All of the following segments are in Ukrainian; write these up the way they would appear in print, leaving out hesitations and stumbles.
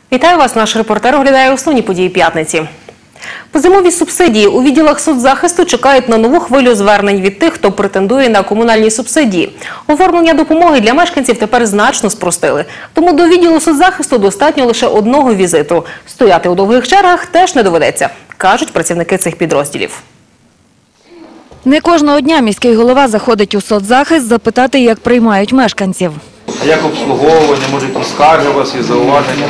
Вітаю вас, наш репортер оглядає основні події п'ятниці. Позимові субсидії у відділах соцзахисту чекають на нову хвилю звернень від тих, хто претендує на комунальні субсидії. Оформлення допомоги для мешканців тепер значно спростили. Тому до відділу соцзахисту достатньо лише одного візиту. Стояти у довгих чергах теж не доведеться, кажуть працівники цих підрозділів. Не кожного дня міський голова заходить у соцзахист запитати, як приймають мешканців. А як обслуговування, може якісь скарги у вас є, зауваження?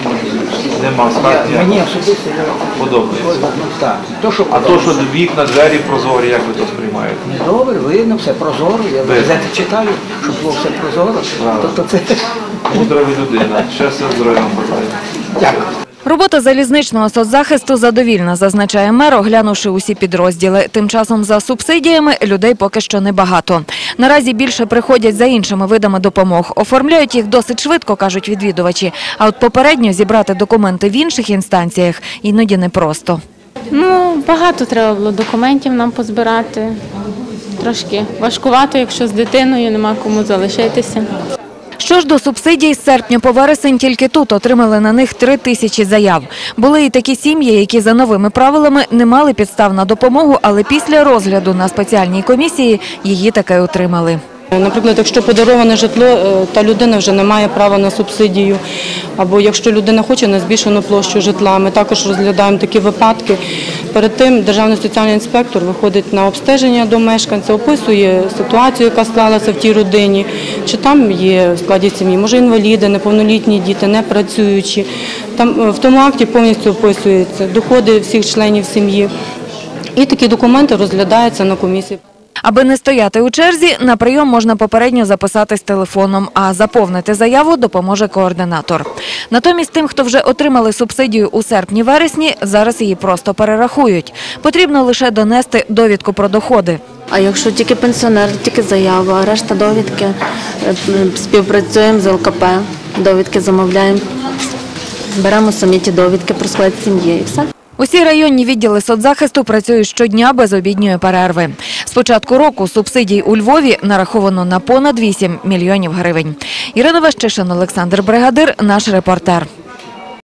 Нема скарг? Мені особисто подобається. так. А то, що вікна, двері прозорі, як ви то сприймаєте? Добре, видно, все прозоро. Я газети читаю, щоб було все прозоро. Тобто це... Мудра ви людина. Щастя, здоров'я вам бажаю. Дякую. Робота залізничного соцзахисту задовільна, зазначає мер, оглянувши усі підрозділи. Тим часом за субсидіями людей поки що небагато. Наразі більше приходять за іншими видами допомог. Оформляють їх досить швидко, кажуть відвідувачі. А от попередньо зібрати документи в інших інстанціях іноді непросто. Багато треба було документів нам позбирати. Трошки важкувато, якщо з дитиною нема кому залишитися. Що ж до субсидій, з серпня по вересень тільки тут отримали на них 3000 заяв. Були і такі сім'ї, які за новими правилами не мали підстав на допомогу, але після розгляду на спеціальній комісії її таки отримали. Наприклад, якщо подароване житло, та людина вже не має права на субсидію, або якщо людина хоче на збільшену площу житла, ми також розглядаємо такі випадки. Перед тим державний соціальний інспектор виходить на обстеження до мешканця, описує ситуацію, яка склалася в тій родині, чи там є в складі сім'ї, може інваліди, неповнолітні діти, непрацюючі. Там в тому акті повністю описуються доходи всіх членів сім'ї. І такі документи розглядаються на комісії. Аби не стояти у черзі, на прийом можна попередньо записатись телефоном, а заповнити заяву допоможе координатор. Натомість тим, хто вже отримали субсидію у серпні-вересні, зараз її просто перерахують. Потрібно лише донести довідку про доходи. А якщо тільки пенсіонер, тільки заява, а решта довідки, співпрацюємо з ЛКП, довідки замовляємо, беремо самі ті довідки про склад сім'ї і все. Усі районні відділи соцзахисту працюють щодня без обідньої перерви. З початку року субсидій у Львові нараховано на понад 8 мільйонів гривень. Ірина Ващишин, Олександр Бригадир, наш репортер.